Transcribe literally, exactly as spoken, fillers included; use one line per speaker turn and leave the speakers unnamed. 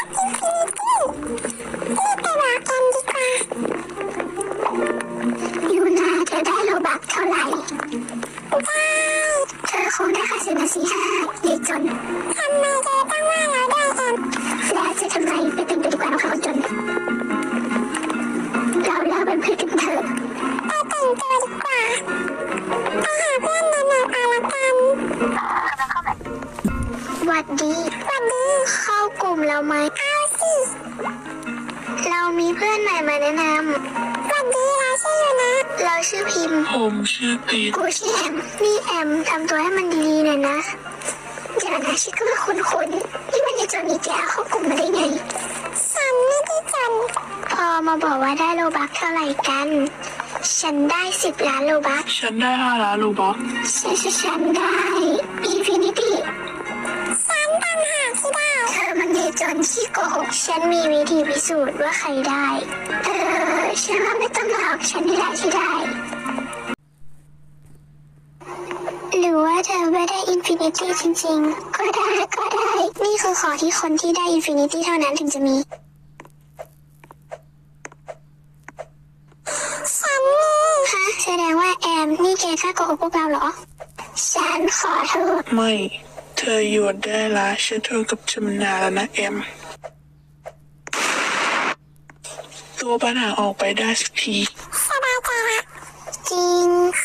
รีบไปบอกกันดีกว่าอยู่นาเธอได้โลบักเท่าไหร่ได้เธอคงได้ค่าซื้อมาสี่ห้าเด็กจนทำไมเธอต้องว่าเราได้กันแล้วจะทำไมไปเป็นไปดีกว่าเราเขาจนเราเลิกเป็นเพื่อนกันเถอะไปแต่งตัวดีกว่าไปหาเพื่อนในหน่อยเอาละกันหวัดดีหวัดดีเข้ากลุ่มเราไหมเอาสิเรามีเพื่อนใหม่มาแนะนำหวัดดีเราชื่ออยู่นะเราชื่อพิมพ์
ผมชื่อปี
กูชื่อแอมนี่แอมทำตัวให้มันดีๆหน่อยนะเดี๋ยวนะชื่อก็มาคุ้นๆนี่มันจะจนอีกแล้วเข้ากลุ่มมาได้ไงฉันไม่ได้จนพอมาบอกว่าได้โลบักเท่าไหร่กันฉันได้สิบล้านโลบัก
ฉันได้ห้าล้านโลบัก
ฉันฉันได้อินฟินิตี้ฉันต่างหากที่ได้เธอมันเนจนขี้โกหกฉันมีวิธีพิสูจน์ว่าใครได้เออฉันว่าไม่ต้องหลอกฉันนี่แหละที่ได้หรือว่าเธอไม่ได้อินฟินิตี้จริงๆก็ได้ก็ได้นี่คือขอที่คนที่ได้อินฟินิตี้เท่านั้นถึงจะมีฉันนี่ฮะแสดงว่าแอมนี่แกกล้าโกหกพวกเราเหรอฉันขอโทษ
ไม่เธอหยุดได้ละฉันเธอกับจำนาแล้วนะแอมตัวปัญหาออกไปได้สักที
สบายใจละจริง